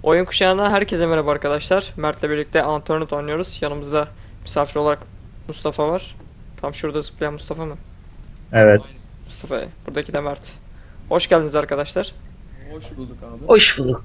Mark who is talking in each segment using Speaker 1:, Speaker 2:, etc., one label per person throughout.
Speaker 1: Oyun kuşağından herkese merhaba arkadaşlar. Mert'le birlikte Antonet oynuyoruz. Yanımızda misafir olarak Mustafa var. Tam şurada zıplayan Mustafa mı?
Speaker 2: Evet.
Speaker 1: Mustafa. Buradaki de Mert. Hoş geldiniz arkadaşlar.
Speaker 3: Hoş bulduk abi.
Speaker 2: Hoş bulduk.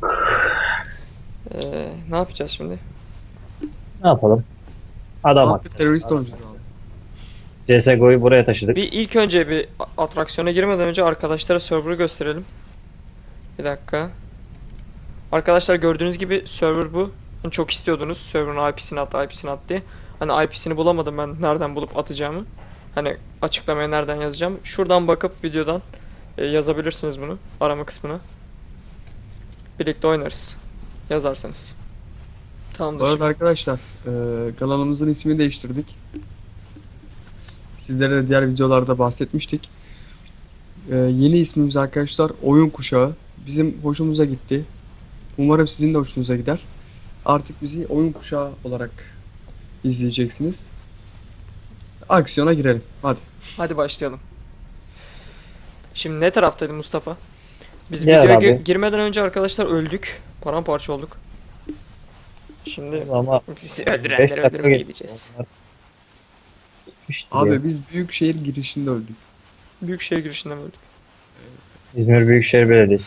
Speaker 1: Ne yapacağız şimdi?
Speaker 2: Ne yapalım? Adam
Speaker 3: Artık terörist oyuncu abi.
Speaker 2: CSGO'yu buraya taşıdık.
Speaker 1: Bir ilk önce bir atraksiyona girmeden önce arkadaşlara server'ı gösterelim. Bir dakika. Arkadaşlar gördüğünüz gibi server bu. Hani çok istiyordunuz server'ın IP'sini at diye. Hani IP'sini bulamadım ben nereden bulup atacağımı. Hani açıklamaya nereden yazacağım. Şuradan bakıp videodan yazabilirsiniz bunu arama kısmına. Birlikte oynarız. Yazarsanız.
Speaker 3: Bu
Speaker 1: Tamamdır.
Speaker 3: arada arkadaşlar kanalımızın ismini değiştirdik. Sizlere de diğer videolarda bahsetmiştik. Yeni ismimiz arkadaşlar Oyun Kuşağı. Bizim hoşumuza gitti. Umarım sizin de hoşunuza gider. Artık bizi Oyun Kuşağı olarak izleyeceksiniz. Aksiyona girelim. Hadi.
Speaker 1: Hadi başlayalım. Şimdi ne taraftaydı Mustafa? Biz
Speaker 2: Gel
Speaker 1: videoya
Speaker 2: abi.
Speaker 1: girmeden önce arkadaşlar öldük. Paramparça olduk. Şimdi
Speaker 2: Ama
Speaker 1: bizi
Speaker 2: 5
Speaker 1: öldürenleri
Speaker 2: dakika
Speaker 1: öldürmeye
Speaker 2: geçti.
Speaker 1: gideceğiz.
Speaker 2: Onlar gitmişti
Speaker 3: Abi
Speaker 2: ya.
Speaker 3: biz Büyükşehir girişinde öldük.
Speaker 1: Büyükşehir girişinden öldük.
Speaker 2: İzmir Büyükşehir Belediyesi.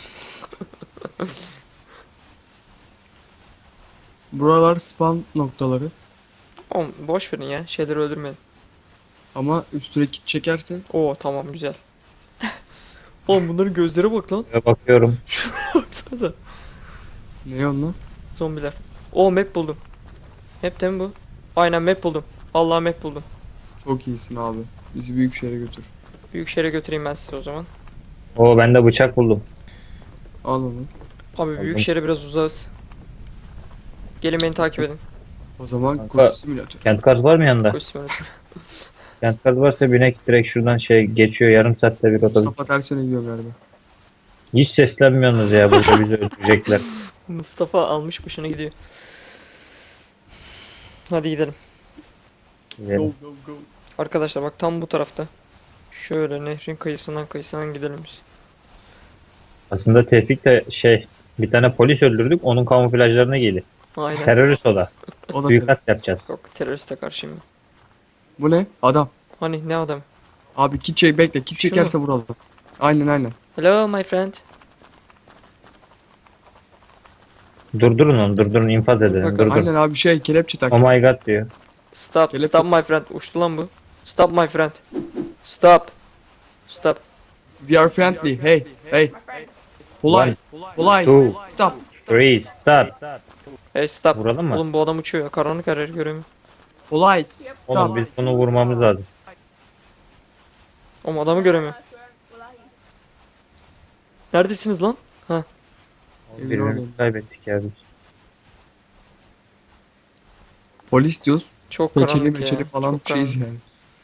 Speaker 3: Buralar spawn noktaları.
Speaker 1: Oğlum boş verin ya. Şeyleri öldürmeyin.
Speaker 3: Ama üstüne kit çekerse
Speaker 1: Oo tamam güzel. Oğlum bunların gözlere bak lan.
Speaker 2: Ve bakıyorum.
Speaker 1: Baksanıza.
Speaker 3: ne onlar?
Speaker 1: Zombiler. Oo map buldum. Map de mi bu? Aynen map buldum. Allah map buldum.
Speaker 3: Çok iyisin abi. Bizi Büyükşehir'e götür.
Speaker 1: Büyükşehir'e götüreyim ben size o zaman.
Speaker 2: Oo, ben de bıçak buldum.
Speaker 3: Al onu.
Speaker 1: Abi Büyükşehir'e biraz uzağız. Gelin beni takip edin.
Speaker 3: O zaman
Speaker 2: Kanka.
Speaker 3: koşu simülatörü.
Speaker 2: Kent kartı var mı yanında?
Speaker 1: Koş simülatör.
Speaker 2: Kent kartı varsa binek direkt şuradan geçiyor, yarım saatte bir otobüs.
Speaker 3: Mustafa ters yöne gidiyor galiba.
Speaker 2: Hiç seslenmiyorsunuz ya, burada bizi öldürecekler.
Speaker 1: Mustafa almış başına gidiyor. Hadi gidelim.
Speaker 2: Gidelim.
Speaker 3: go.
Speaker 1: Arkadaşlar bak tam bu tarafta. Şöyle nehrin kıyısından gidelim biz.
Speaker 2: Aslında Tevfik de bir tane polis öldürdük, onun kamuflajlarına giydi.
Speaker 1: Aynen.
Speaker 2: Terörist o da.
Speaker 3: O da
Speaker 2: Büyük
Speaker 3: terörist.
Speaker 2: kat yapacağız.
Speaker 1: Yok teröriste karşıyım ben.
Speaker 3: Bu ne? Adam.
Speaker 1: Hani ne adam?
Speaker 3: Abi kit çek bekle. Kit
Speaker 1: Şu
Speaker 3: çekerse vuralım. Aynen.
Speaker 1: Hello my friend.
Speaker 2: Durdurun infaz edelim.
Speaker 1: Bakın,
Speaker 2: Durdurun.
Speaker 3: Aynen abi kelepçe tak.
Speaker 2: Oh my god diyor.
Speaker 1: Stop.
Speaker 3: Kelepçe-
Speaker 1: Stop my friend. Uçtu lan bu. Stop my friend. Stop. Stop.
Speaker 3: We are friendly. Hey. Police. Police.
Speaker 2: Two.
Speaker 3: Stop.
Speaker 2: 3, start.
Speaker 1: Hey stop.
Speaker 2: Vuralım mı?
Speaker 1: Oğlum bu adam uçuyor ya. Karanlık her yer göremiyor.
Speaker 3: Police.
Speaker 2: Oğlum
Speaker 3: Stop.
Speaker 2: biz bunu vurmamız lazım.
Speaker 1: Oğlum adamı göremiyor. Neredesiniz lan?
Speaker 3: Evin
Speaker 2: Birini
Speaker 3: oradayım.
Speaker 2: kaybettik ya biz.
Speaker 3: Polis diyoruz.
Speaker 1: Çok
Speaker 3: Peçeli
Speaker 1: karanlık
Speaker 3: meçeli
Speaker 1: ya.
Speaker 3: falan
Speaker 1: Çok
Speaker 3: şeyiz
Speaker 1: karanlık.
Speaker 3: yani.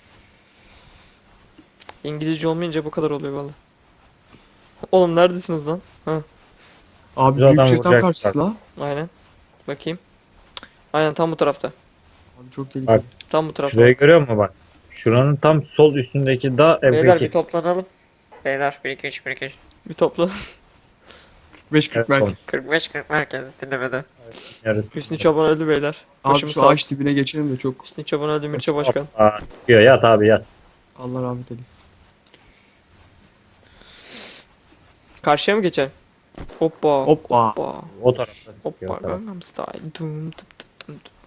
Speaker 1: İngilizce olmayınca bu kadar oluyor valla. Oğlum neredesiniz lan?
Speaker 3: Abi
Speaker 2: Bir adam
Speaker 3: Büyükşehir tam
Speaker 2: vuracak
Speaker 3: karşısı la.
Speaker 1: Aynen. Bakayım. Aynen tam bu tarafta.
Speaker 3: Abi çok tehlikeli.
Speaker 2: Bak.
Speaker 1: Tam bu tarafta.
Speaker 2: Şurayı görüyor musun bak? Şuranın tam sol üstündeki dağ
Speaker 1: Beyler bir
Speaker 2: MP2.
Speaker 1: toplanalım. Beyler 1 2 3 1 2 3. Bir toplan.
Speaker 3: 5-40
Speaker 2: Evet,
Speaker 3: merkez.
Speaker 1: 45-40 merkez dinlemede.
Speaker 2: Yarısı.
Speaker 1: Hüsnü Çoban öldü beyler.
Speaker 3: Abi
Speaker 1: Başımız
Speaker 3: şu
Speaker 1: sağ
Speaker 3: ağaç
Speaker 1: olsun.
Speaker 3: dibine geçelim de çok
Speaker 1: Hüsnü Çoban öldü Mirçe Başkan.
Speaker 2: Aa, diyor yat abi yat.
Speaker 3: Allah rahmet eylesin.
Speaker 1: Karşıya mı geçelim? Hoppa.
Speaker 3: Hoppa.
Speaker 1: Hoppa.
Speaker 2: O tarafta.
Speaker 1: Hoppa.
Speaker 2: Yok, tamam.
Speaker 1: Gangnam Style. Dum tıp tıp tum tıp.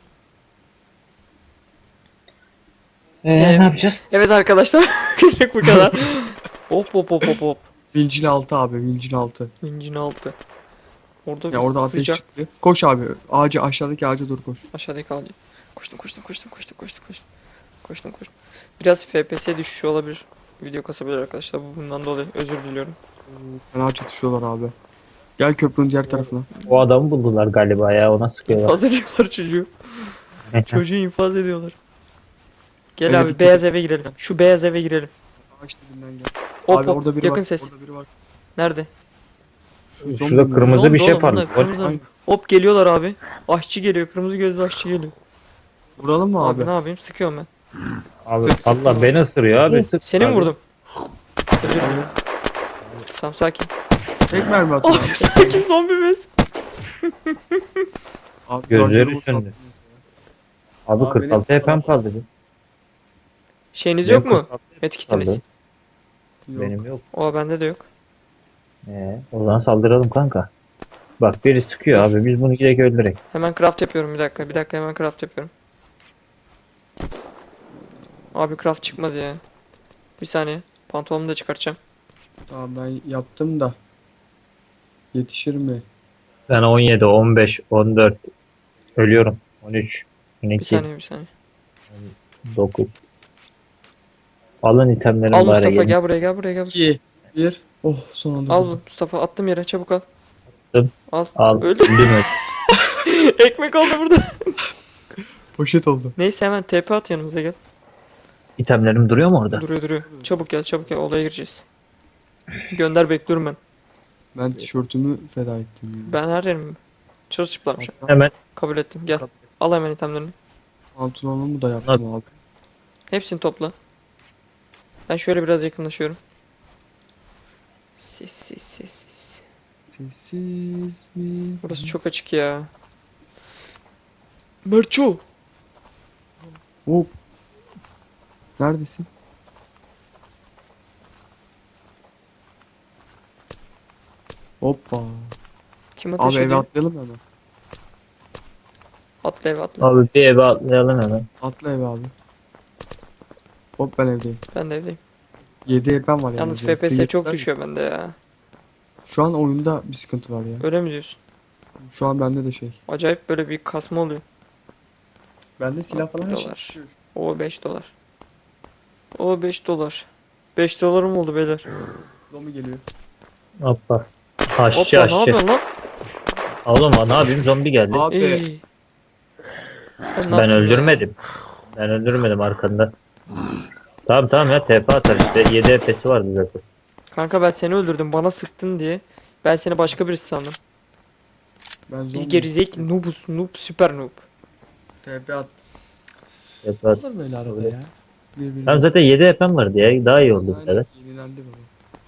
Speaker 2: Ne yapacağız?
Speaker 1: Evet arkadaşlar. Günlük bu kadar. Hop hop hop hop hop.
Speaker 3: Vincin altı abi vincin altı.
Speaker 1: İncin altı. Orada
Speaker 3: Ya
Speaker 1: bir
Speaker 3: orada ateş
Speaker 1: sıcak.
Speaker 3: çıktı. Koş abi. Aşağıdaki ağaca doğru koş.
Speaker 1: Aşağıdaki kaldı. Koştum. Koştum. Biraz FPS düşüşü olabilir. Video kasabilir arkadaşlar. Bundan dolayı özür diliyorum.
Speaker 3: Fena çatışıyorlar abi. Gel köprünün diğer tarafına.
Speaker 2: O adamı buldular galiba ya, ona sıkıyorlar.
Speaker 1: İnfaz ediyorlar çocuğu. Çocuğu infaz ediyorlar. Gel
Speaker 3: Evet,
Speaker 1: abi
Speaker 3: dikkat
Speaker 1: beyaz
Speaker 3: et.
Speaker 1: eve girelim. Şu beyaz eve girelim.
Speaker 3: Ağaç dibinden gel.
Speaker 1: Hop
Speaker 3: abi
Speaker 1: hop
Speaker 3: orada biri
Speaker 1: yakın
Speaker 3: var.
Speaker 1: ses.
Speaker 3: Orada biri var.
Speaker 1: Nerede?
Speaker 3: Şu
Speaker 2: Şurada
Speaker 3: mi?
Speaker 2: kırmızı
Speaker 1: Zombi
Speaker 2: bir şey
Speaker 1: oğlum bunlar,
Speaker 2: parlıyor.
Speaker 1: kırmızı.
Speaker 3: Aynen.
Speaker 1: Hop geliyorlar abi. Aşçı geliyor. Kırmızı gözlü aşçı geliyor.
Speaker 3: Vuralım mı
Speaker 1: Abi
Speaker 3: abi?
Speaker 1: ne yapayım? Sıkıyorum ben.
Speaker 2: Abi
Speaker 3: Sık, sık.
Speaker 2: Allah beni ısırıyor abi. Sık
Speaker 1: Seni mi
Speaker 2: abi.
Speaker 1: vurdum? Özür dilerim. Tamam sakin.
Speaker 3: Tek mermi atın
Speaker 1: Abi
Speaker 3: abi.
Speaker 1: sakin zombi bez.
Speaker 3: Abi
Speaker 2: Gözleri
Speaker 3: şarjörümü
Speaker 2: söndü.
Speaker 3: sattınız ya.
Speaker 2: Abi
Speaker 3: Abi
Speaker 2: 46
Speaker 3: benim-
Speaker 2: HP'm kaldı.
Speaker 1: Şeyiniz
Speaker 2: Benim
Speaker 1: yok mu?
Speaker 2: 46
Speaker 1: Medkitiniz.
Speaker 2: kaldı.
Speaker 3: Yok.
Speaker 2: Benim yok.
Speaker 1: O bende de yok.
Speaker 2: O zaman saldıralım kanka. Bak biri sıkıyor abi. Biz bunu direkt öldürek.
Speaker 1: Hemen craft yapıyorum bir dakika. Bir dakika hemen craft yapıyorum. Abi craft çıkmadı ya. Bir saniye. Pantolonumu da çıkartacağım.
Speaker 3: Tamam ben yaptım da. Yetişir mi?
Speaker 2: Ben 17, 15, 14 ölüyorum. 13,
Speaker 1: Bir
Speaker 2: 12,
Speaker 1: saniye bir saniye.
Speaker 2: 9. Alın itemlerimi
Speaker 1: Al
Speaker 2: bari
Speaker 1: Mustafa
Speaker 2: gelin.
Speaker 1: gel buraya gel buraya gel.
Speaker 3: 2 1. Oh son anda.
Speaker 1: Al
Speaker 3: buldum.
Speaker 1: Mustafa attım yere çabuk al.
Speaker 2: Attım.
Speaker 1: Al.
Speaker 2: Al.
Speaker 1: Öldü.
Speaker 2: Öldüm öldüm.
Speaker 1: Ekmek oldu burada.
Speaker 3: Poşet oldu.
Speaker 1: Neyse hemen TP at yanımıza gel.
Speaker 2: İtemlerim duruyor mu orada?
Speaker 1: Duruyor duruyor. Çabuk gel çabuk gel olaya gireceğiz. Gönder bekliyorum ben.
Speaker 3: Ben tişörtümü feda ettim ya.
Speaker 1: Ben her yerim çırılçıplam şu an.
Speaker 2: Hemen
Speaker 1: Kabul ettim gel. Al hemen itemlerini.
Speaker 3: Pantolonumu da yaptım abi.
Speaker 1: Hepsini topla. Ben şöyle biraz yakınlaşıyorum. Sis.
Speaker 3: Sessiz mi?
Speaker 1: Burası çok açık ya. Merço.
Speaker 3: Hop. Neredesin? Hoppa.
Speaker 1: Kim ateş
Speaker 3: Abi eve
Speaker 1: ediyor?
Speaker 3: atlayalım hemen.
Speaker 1: Atla eve atla.
Speaker 2: abi bir eve atlayalım hemen.
Speaker 3: Atla eve abi. Hop ben evdeyim.
Speaker 1: Ben de evdeyim.
Speaker 3: 7 evden var
Speaker 1: Yalnız
Speaker 3: yani.
Speaker 1: FPS çok
Speaker 3: Seyirciler-
Speaker 1: düşüyor bende ya.
Speaker 3: Şu an oyunda bir sıkıntı var ya.
Speaker 1: Öyle mi diyorsun?
Speaker 3: Şu an bende de şey.
Speaker 1: Acayip böyle bir kasma oluyor.
Speaker 3: Bende silah falan her şey
Speaker 1: Dolar.
Speaker 3: düşüyor.
Speaker 1: O 5 dolar. O 5 dolar. 5 dolarım oldu beyler.
Speaker 3: Zombi geliyor.
Speaker 2: Hoppa. Aşçı
Speaker 1: Hoppa ne
Speaker 2: aşçı.
Speaker 1: yapıyorsun lan?
Speaker 2: Oğlum ne yapayım zombi geldi.
Speaker 3: Abi
Speaker 1: Ey. Ben, ne
Speaker 2: Ben
Speaker 1: yaptım ya?
Speaker 2: öldürmedim. Ben öldürmedim arkanda. Tamam ya TP atar işte. 7 HP'si vardı zaten.
Speaker 1: Kanka ben seni öldürdüm bana sıktın diye. Ben seni başka birisi sandım.
Speaker 3: ben
Speaker 1: Biz
Speaker 3: zombi.
Speaker 1: gerizekalı noobuz noob süper noob.
Speaker 3: TP attım.
Speaker 2: TP at.
Speaker 3: Olur böyle arada ya. Birbirine.
Speaker 2: Ben zaten 7 HP'm vardı ya. Daha iyi oldu bu
Speaker 3: Aynen,
Speaker 2: kadar.
Speaker 3: yenilendi baba.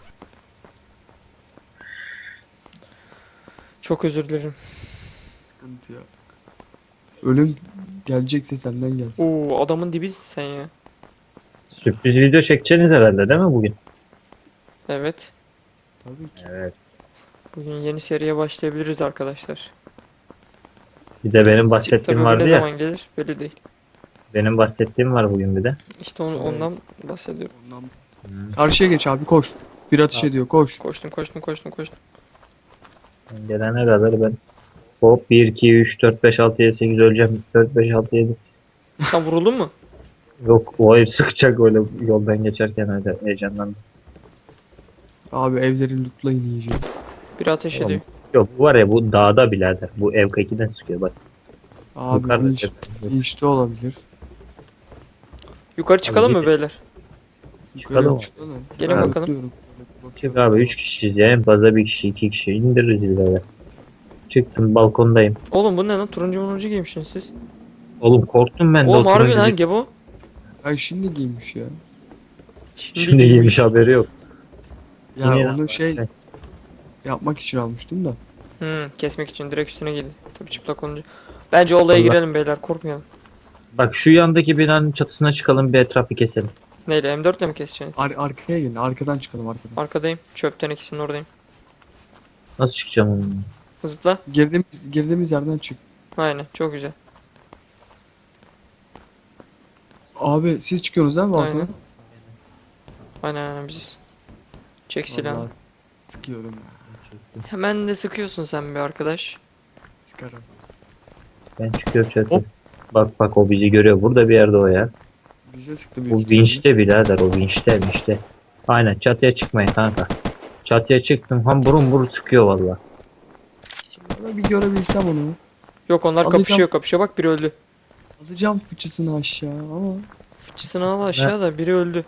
Speaker 1: Çok özür dilerim.
Speaker 3: Sıkıntı yok. Ölüm gelecekse senden gelsin.
Speaker 1: Oo adamın dibisin sen ya.
Speaker 2: Sürpriz video çekeceksiniz herhalde değil mi bugün?
Speaker 1: Evet.
Speaker 3: Tabii ki.
Speaker 2: Evet.
Speaker 1: Bugün yeni seriye başlayabiliriz arkadaşlar.
Speaker 2: Bir de benim
Speaker 1: Tabii
Speaker 2: bahsettiğim
Speaker 1: bu
Speaker 2: vardı
Speaker 1: ne
Speaker 2: ya.
Speaker 1: zaman gelir belli değil.
Speaker 2: Benim bahsettiğim var bugün bir de.
Speaker 1: İşte ondan bahsediyorum.
Speaker 3: Ondan... Karşıya geç abi koş. Bir atış ediyor koş.
Speaker 1: Koştum.
Speaker 2: Gelene kadar ben hop 1, 2, 3, 4, 5, 6, 7, 8 öleceğim. 4, 5, 6, 7.
Speaker 1: Sen vuruldun mu?
Speaker 2: Yok o herif sıkacak öyle yoldan geçerken öyle heyecanlandım.
Speaker 3: Abi evleri lootlayın iyice.
Speaker 1: Biri ateş
Speaker 2: Tamam.
Speaker 1: ediyor.
Speaker 2: Yok bu var ya bu dağda birader. Bu ev 2'den sıkıyor bak.
Speaker 3: Abi
Speaker 2: Yukarıda
Speaker 3: inç,
Speaker 2: tepede.
Speaker 3: inçte olabilir.
Speaker 1: Yukarı çıkalım mı
Speaker 2: gidin.
Speaker 1: beyler?
Speaker 2: Çıkalım.
Speaker 3: Yukarı çıkalım.
Speaker 1: Gelin
Speaker 3: Ben
Speaker 1: bakalım.
Speaker 3: lootluyorum.
Speaker 2: Çık abi 3 kişiyiz ya en fazla 1 kişi 2 kişi indiririz birader. Çıktım balkondayım.
Speaker 1: Oğlum bu ne lan? Turuncu giymişsiniz siz.
Speaker 2: Oğlum korktum ben de.
Speaker 1: Oğlum
Speaker 2: o
Speaker 1: harbi
Speaker 2: turuncu
Speaker 1: lan
Speaker 2: bir-
Speaker 1: Gebo.
Speaker 3: Ay şimdi giymiş ya.
Speaker 2: Şimdi giymiş haberi yok.
Speaker 3: Ya
Speaker 2: Yine-
Speaker 3: onu şey yapmak için almıştım da.
Speaker 1: Kesmek için direkt üstüne geldi. Tabii çıplak olunca. Bence olaya
Speaker 2: Allah.
Speaker 1: girelim beyler korkmayalım.
Speaker 2: Bak şu yandaki binanın çatısına çıkalım bir etrafı keselim.
Speaker 1: Neyle M4 ile mi keseceksiniz?
Speaker 3: Arkaya gelin. Arkadan çıkalım arkadan.
Speaker 1: Arkadayım. Çöpten ikisinin oradayım.
Speaker 2: Nasıl çıkacağım onunla?
Speaker 1: Zıpla.
Speaker 3: Girdiğimiz yerden çık.
Speaker 1: Aynen çok güzel.
Speaker 3: Abi siz çıkıyorsunuz değil mi balkona?
Speaker 1: Aynen. Aynen biziz. Çek silahı.
Speaker 3: Vallahi sıkıyorum ya.
Speaker 1: Hemen de sıkıyorsun sen bir arkadaş.
Speaker 3: Sıkarım.
Speaker 2: Ben çıkıyorum çatıya.
Speaker 3: Hop.
Speaker 2: Bak o bizi görüyor. Burada bir yerde o ya.
Speaker 3: Bize sıktı büyük
Speaker 2: Bu
Speaker 3: ihtimalle.
Speaker 2: vinçte birader o vinçte. Aynen çatıya çıkmayın kanka. Çatıya çıktım ham burun sıkıyor valla.
Speaker 3: Ama bir görebilsem onu.
Speaker 1: Yok onlar
Speaker 3: Alacağım.
Speaker 1: kapışıyor bak biri öldü.
Speaker 3: Alacağım fıçısını aşağı ama.
Speaker 1: Fıçısını al aşağıda biri öldü.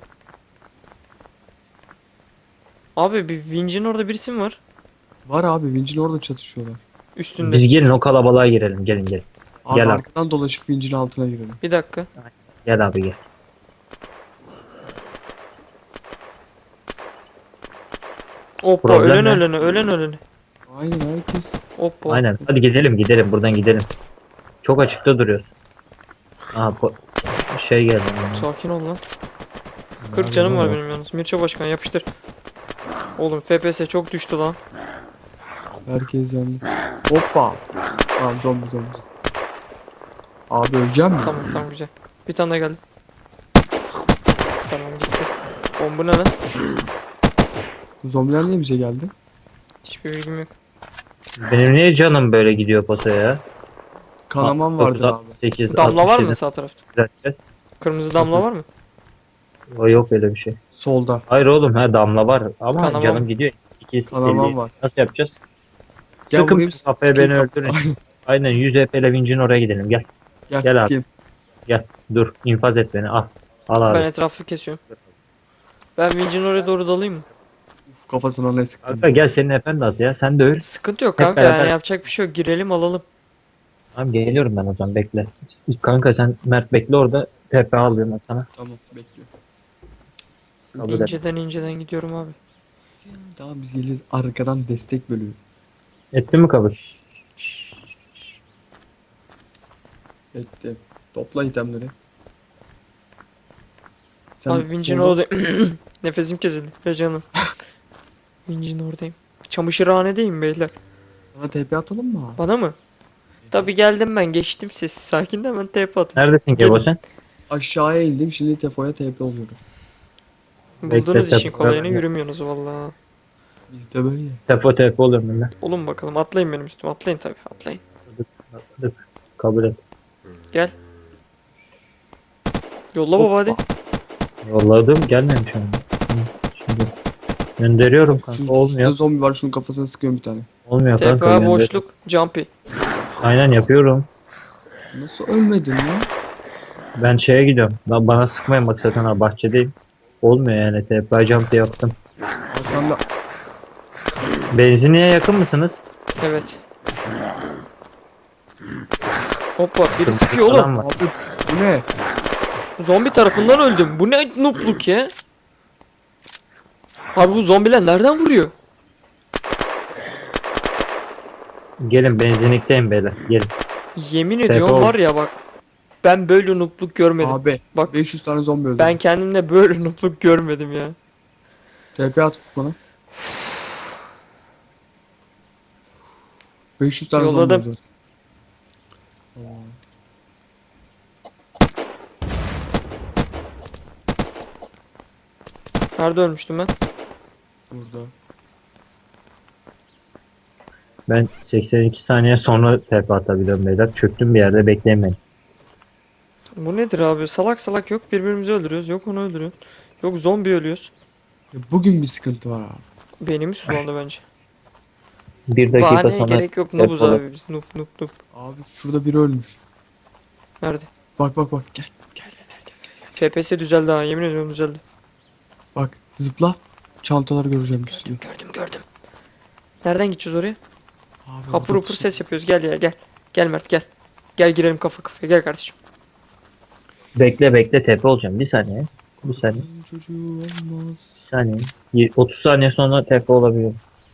Speaker 1: Abi bir vincin orada birisi mi var?
Speaker 3: Var abi vincin orada çatışıyorlar.
Speaker 1: Üstünde.
Speaker 2: Biz gelin o kalabalığa girelim gelin.
Speaker 3: Abi
Speaker 2: Gel abi.
Speaker 3: arkadan dolaşıp vincin altına girelim.
Speaker 1: Bir dakika.
Speaker 2: Gel abi gel.
Speaker 1: Hoppa
Speaker 2: Problem
Speaker 1: ölen
Speaker 2: ne?
Speaker 1: ölene.
Speaker 3: Aynen herkes.
Speaker 1: Hoppa.
Speaker 2: Aynen hadi gidelim buradan gidelim. Çok açıkta duruyoruz. Aha şey geldi.
Speaker 1: Sakin ol lan. 40 canım var benim yalnız. Mirço Başkan yapıştır. Oğlum FPS çok düştü lan.
Speaker 3: Herkes yandı. Hoppa. Tamam zombi. Abi öleceğim mi?
Speaker 1: Tamam tamam güzel. Bir tane daha geldi. Tamam gitti. Oğlum bu ne lan?
Speaker 3: Zombiler niye bize geldi?
Speaker 1: Hiçbir bilgim yok.
Speaker 2: Benim niye canım böyle gidiyor potaya?
Speaker 3: Kanaman vardır abi.
Speaker 2: 8,
Speaker 1: Damla var mı sağ tarafta?
Speaker 2: 67.
Speaker 1: Kırmızı damla var mı?
Speaker 2: O yok öyle bir şey.
Speaker 3: Solda.
Speaker 2: Hayır oğlum damla var ama
Speaker 1: Kanama
Speaker 2: canım
Speaker 1: mı?
Speaker 2: gidiyor. 2
Speaker 3: Kanaman var.
Speaker 2: Nasıl yapacağız?
Speaker 3: Gel
Speaker 2: Sıkın
Speaker 3: vurayım,
Speaker 2: bir kafaya
Speaker 3: sikeyim
Speaker 2: beni
Speaker 3: kafayı.
Speaker 2: öldürün. Aynen 100 HP'le vincin oraya gidelim. Gel
Speaker 3: Gel,
Speaker 2: Gel abi.
Speaker 3: sikeyim.
Speaker 2: gel. Dur infaz et beni al. Al abi.
Speaker 1: Ben etrafı kesiyorum. Ben Vinci'nin oraya doğru dalayım mı?
Speaker 3: Uf, kafasına ne sıktım.
Speaker 2: Kanka gel senin efendi az ya. Sen de öl.
Speaker 1: Sıkıntı yok
Speaker 2: Hep
Speaker 1: kanka
Speaker 2: beraber.
Speaker 1: yani yapacak bir şey yok. Girelim alalım.
Speaker 2: Tamam geliyorum ben o zaman bekle. Kanka sen Mert bekle orada. TP alıyorum ben sana.
Speaker 3: Tamam bekliyorum.
Speaker 2: Kabul et.
Speaker 1: İnceden gidiyorum abi.
Speaker 3: Tamam biz geliriz arkadan destek bölüyor.
Speaker 2: Etti mi kabul?
Speaker 3: Bekle. Topla itemleri. Sen
Speaker 1: Abi Vinci'nin
Speaker 3: solda-
Speaker 1: oradayım. Nefesim kesildi. Be canım. Vinci'nin oradayım. Çamaşırhanedeyim beyler.
Speaker 3: Sana TP atalım mı abi?
Speaker 1: Bana mı? Tabi geldim ben geçtim sessiz sakin de hemen TP atın.
Speaker 2: Neredesin Kebo sen?
Speaker 3: Aşağıya indim şimdi Tefo'ya TP oluyorum.
Speaker 1: Buldunuz
Speaker 2: Bekle,
Speaker 1: işin kolayını
Speaker 2: TP.
Speaker 1: yürümüyorsunuz valla.
Speaker 3: Bizde böyle ya.
Speaker 2: TP oluyorum ben de.
Speaker 1: Olun bakalım atlayın benim üstüme atlayın tabi atlayın.
Speaker 2: Hadi. Kabul et.
Speaker 1: Gel. Yolla baba hadi.
Speaker 3: Hoppa.
Speaker 2: Yolladım gelmemiş ama. Şimdi gönderiyorum kanka.
Speaker 3: Şurada
Speaker 2: Olmuyor.
Speaker 3: zombi var şunun kafasına sıkıyorum bir tane.
Speaker 2: Olmuyor kanka.
Speaker 1: TPA
Speaker 2: gönder.
Speaker 1: boşluk jumpy.
Speaker 2: Aynen yapıyorum.
Speaker 3: Nasıl ölmedin ya?
Speaker 2: Ben şeye gidiyorum. Bana sıkmayın bak zaten ha bahçedeyim. Olmuyor yani TP jump yaptım.
Speaker 3: Arkanda
Speaker 2: Benzinliğe yakın mısınız?
Speaker 1: Evet. Hoppa biri
Speaker 2: Kırmızı
Speaker 1: sıkıyor
Speaker 2: falan
Speaker 1: oğlum.
Speaker 2: var.
Speaker 3: abi bu ne?
Speaker 1: Zombi tarafından öldüm. Bu ne noobluk ya? Abi bu zombiler nereden vuruyor?
Speaker 2: Gelin benzinlikteyim beyler. Gelin.
Speaker 1: Yemin
Speaker 2: TP
Speaker 1: ediyorum
Speaker 2: oldu.
Speaker 1: var ya bak. Ben böyle noobluk görmedim.
Speaker 3: Abi
Speaker 1: Bak.
Speaker 3: 500 tane zombi öldü.
Speaker 1: Ben kendimde böyle noobluk görmedim ya.
Speaker 3: TP at bana. 500 tane
Speaker 1: Yolladım.
Speaker 3: zombi öldü.
Speaker 1: Nerede ölmüştüm ben?
Speaker 3: Burada.
Speaker 2: Ben 82 saniye sonra TP atabiliyorum beyler. Çöktüm bir yerde bekleyin beni.
Speaker 1: Bu nedir abi? Salak salak yok birbirimizi öldürüyoruz. Yok onu öldürüyoruz. Yok zombi ölüyoruz.
Speaker 3: Ya bugün bir sıkıntı var abi.
Speaker 1: Beynimiz sulandı bence.
Speaker 2: Bir dakika
Speaker 1: Bahaneye
Speaker 2: sonra
Speaker 1: gerek yok. Noobuz
Speaker 2: TP
Speaker 1: abi biz. Noob noob noob.
Speaker 3: Abi şurada biri ölmüş.
Speaker 1: Nerede?
Speaker 3: Bak gel.
Speaker 1: FPS düzeldi ha. Yemin ediyorum düzeldi.
Speaker 3: Bak zıpla. Çantaları göreceğim bir sürü.
Speaker 1: Gördüm. Nereden gideceğiz oraya?
Speaker 3: Abi,
Speaker 1: Hapur
Speaker 3: orada
Speaker 1: hapur
Speaker 3: pusu-
Speaker 1: ses yapıyoruz. Gel ya gel. Gel Mert gel. Gel girelim kafa kafaya. Gel kardeşim.
Speaker 2: bekle TP olacağım. Bir saniye. Bir saniye.
Speaker 3: Çocuğu olmaz.
Speaker 2: Bir saniye. 30 saniye sonra TP olabiliyor.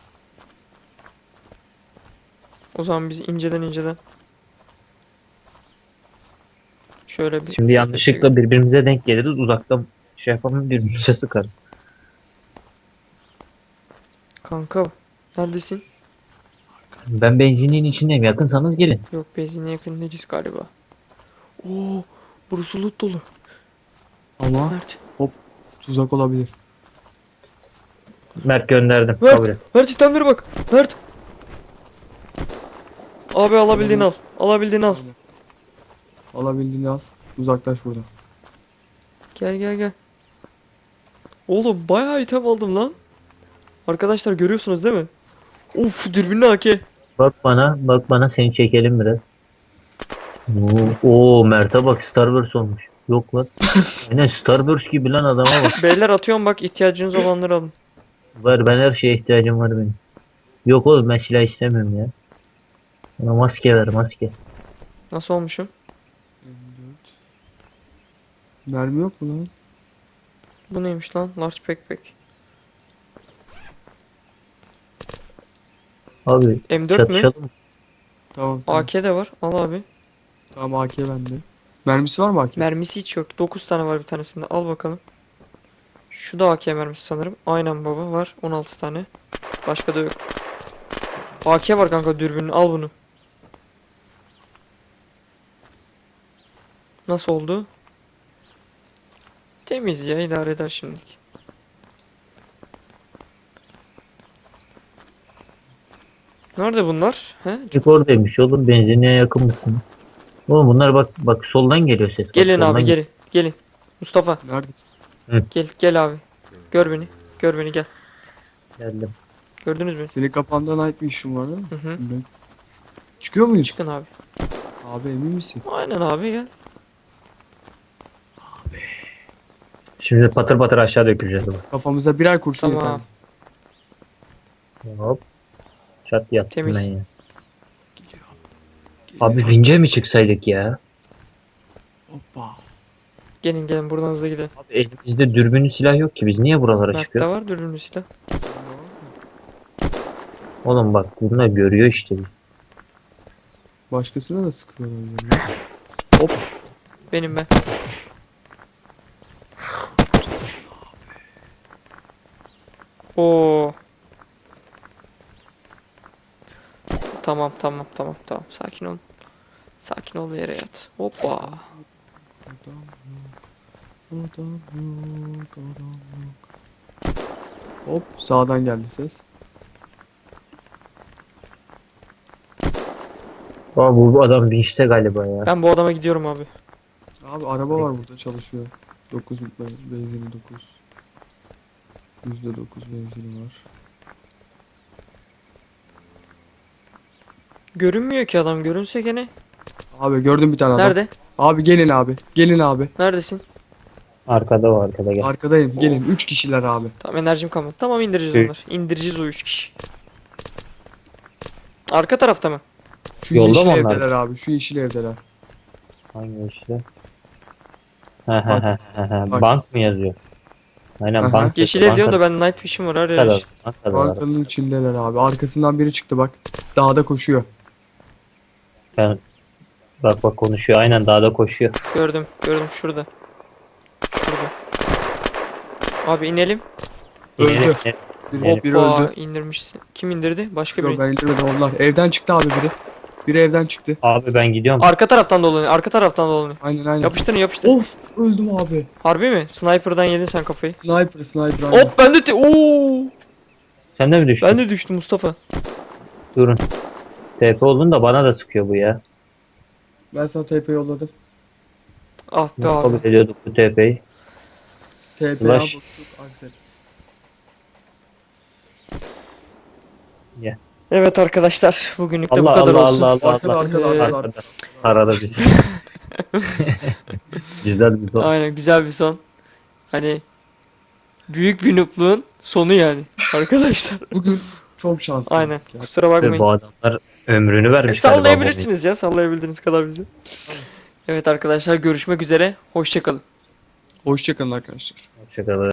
Speaker 1: O zaman biz inceden. Şöyle bir...
Speaker 2: Şimdi yanlışlıkla birbirimize denk geliriz. Uzaktan şey yapalım birbirimize sıkarız.
Speaker 1: Kanka. Neredesin?
Speaker 2: Ben benzinliğin içindeyim. Yakınsanız gelin.
Speaker 1: Yok benzinliğe yakın değiliz galiba. Oo, burası loot dolu.
Speaker 3: Ama
Speaker 1: Mert.
Speaker 3: tuzak olabilir.
Speaker 2: Mert gönderdim.
Speaker 1: Mert.
Speaker 2: Kabul et.
Speaker 1: Mert itemlere bak. Mert. Abi alabildiğini al. Alabildiğini al.
Speaker 3: Alabildiğini al. Uzaklaş buradan.
Speaker 1: Gel. Oğlum bayağı item aldım lan. Arkadaşlar görüyorsunuz değil mi? Of dürbünlü AK.
Speaker 2: Bak bana seni çekelim biraz. Oo Mert'e bak Starburst olmuş. Yok lan. Aynen Starburst gibi lan adama bak.
Speaker 1: Beyler atıyorum bak ihtiyacınız olanları alın.
Speaker 2: Var ben her şeye ihtiyacım var benim. Yok oğlum ben silah istemiyorum ya. Bana maske ver maske.
Speaker 1: Nasıl olmuşum?
Speaker 3: Mermi yok mu lan?
Speaker 1: Bu neymiş lan? Large backpack.
Speaker 2: Abi
Speaker 1: M4 mü?
Speaker 2: çatışalım.
Speaker 3: Tamam.
Speaker 1: AK de var. Al abi.
Speaker 3: Tamam, AK bende. Mermisi var mı AK?
Speaker 1: Mermisi hiç yok. 9 tane var bir tanesinde. Al bakalım. Şu da AK mermisi sanırım. Aynen baba, var 16 tane. Başka da yok. AK var kanka, dürbünün, al bunu. Nasıl oldu? Temiz ya, idare eder şimdilik. Nerede bunlar? He?
Speaker 2: Çık oradaymış oğlum, benzinliğe yakın mısın? Oğlum bunlar bak bak soldan geliyor ses. Bak,
Speaker 1: Gelin
Speaker 2: soldan
Speaker 1: abi, gelin. Gelin. Mustafa
Speaker 3: Neredesin?
Speaker 1: gel abi. Gör beni. Gör beni, gel.
Speaker 2: geldim.
Speaker 1: Gördünüz mü?
Speaker 3: Senin kafanda Night Vision var değil mi?
Speaker 1: Hı hı.
Speaker 3: Çıkıyor muyuz?
Speaker 1: Çıkın abi.
Speaker 3: Abi emin misin?
Speaker 1: Aynen abi, gel.
Speaker 2: Şimdi patır patır aşağı döküleceğiz bak.
Speaker 3: Kafamıza birer kurşun
Speaker 1: Tamam.
Speaker 3: yeter.
Speaker 2: Hop. Çat yattım
Speaker 1: Temiz.
Speaker 2: ben ya.
Speaker 3: Geliyor.
Speaker 2: Abi vince mi çıksaydık ya?
Speaker 3: Hoppa.
Speaker 1: Gelin buradan hızlı gidelim.
Speaker 2: Abi elimizde dürbünlü silah yok ki, biz niye buralara
Speaker 1: Mert'te
Speaker 2: çıkıyoruz?
Speaker 1: var dürbünlü silah.
Speaker 2: Oğlum bak bunlar görüyor işte.
Speaker 3: Başkasına da sıkıyor öyle. Hop.
Speaker 1: Benim ben. Oo. Tamam. Sakin ol. Sakin ol ve yere yat. Hoppa.
Speaker 3: Hop, sağdan geldi ses.
Speaker 2: Aa, bu adam vinçte galiba ya.
Speaker 1: Ben bu adama gidiyorum abi.
Speaker 3: Abi araba var burada, çalışıyor. 9 benzini 9. %9 benzini var.
Speaker 1: Görünmüyor ki adam. Görünse gene.
Speaker 3: Abi gördüm bir tane adam.
Speaker 1: Nerede?
Speaker 3: Abi gelin abi. Gelin abi.
Speaker 1: Neredesin?
Speaker 2: Arkada o, arkada gel.
Speaker 3: Arkadayım. Gelin. 3 kişiler abi.
Speaker 1: Tamam, enerjim kalmadı. Tamam, indireceğiz
Speaker 2: Şey-
Speaker 1: onları. İndireceğiz o 3 kişi. Arka tarafta mı?
Speaker 3: Şu
Speaker 2: Yolda
Speaker 3: yeşil
Speaker 2: mı onlar?
Speaker 3: evdeler abi. Şu yeşil evdeler.
Speaker 2: Hangi işte?
Speaker 3: Bak.
Speaker 2: Bank mı yazıyor? Aynen
Speaker 3: Aha.
Speaker 2: bank.
Speaker 1: Yeşil ev diyorsun da ben night vision var. Her yer
Speaker 2: Bankada,
Speaker 1: yeşil.
Speaker 2: bankada var.
Speaker 3: Bankanın içindeler abi. Arkasından biri çıktı bak. Dağda koşuyor.
Speaker 2: Ben- Bak bak konuşuyor. Aynen dağda koşuyor.
Speaker 1: Gördüm şurada. Şurada. Abi inelim.
Speaker 3: Öldü.
Speaker 2: İnelim,
Speaker 3: Biri
Speaker 1: Hoppa,
Speaker 3: öldü.
Speaker 1: indirmişsin. Kim indirdi? Başka
Speaker 3: Yok,
Speaker 1: biri.
Speaker 3: ben indirmedim onlar. Evden çıktı abi biri. Biri evden çıktı.
Speaker 2: Abi ben gidiyorum.
Speaker 1: Arka taraftan dolanıyor. Arka taraftan dolanıyor.
Speaker 3: Aynen.
Speaker 1: Yapıştır.
Speaker 3: Of, öldüm abi.
Speaker 1: Harbi mi? Sniper'dan yedin sen kafayı.
Speaker 3: Sniper aynen.
Speaker 1: Hop, ben de Oo!
Speaker 2: Sen de mi düştün?
Speaker 1: Ben de düştüm Mustafa.
Speaker 2: Durun. TP oldun da bana da sıkıyor bu ya.
Speaker 3: Ben sana TP yolladım.
Speaker 1: Ah be
Speaker 2: Nasıl kabul
Speaker 1: abi.
Speaker 2: ediyorduk bu TP'yi?
Speaker 3: TP
Speaker 2: Flash.
Speaker 3: boşluk Axel.
Speaker 1: Evet arkadaşlar, bugünlük de bu
Speaker 2: Allah
Speaker 1: kadar
Speaker 2: Allah
Speaker 1: olsun.
Speaker 2: Allah Allah
Speaker 3: Arkada,
Speaker 2: Allah.
Speaker 3: arkada.
Speaker 2: Arkada. Arada bir. Güzel bir son.
Speaker 1: Aynen, güzel bir son. Hani büyük bir noob'luğun sonu yani arkadaşlar.
Speaker 3: Bugün çok şanslıyım.
Speaker 1: Aynen. Kusura bakmayın.
Speaker 2: Bu adamlar ömrünü vermiş.
Speaker 1: Sallayabilirsiniz ya, sallayabildiğiniz kadar bizi. Evet arkadaşlar, görüşmek üzere. Hoşça kalın.
Speaker 3: Hoşçakalın arkadaşlar.
Speaker 2: Hoşçakalın.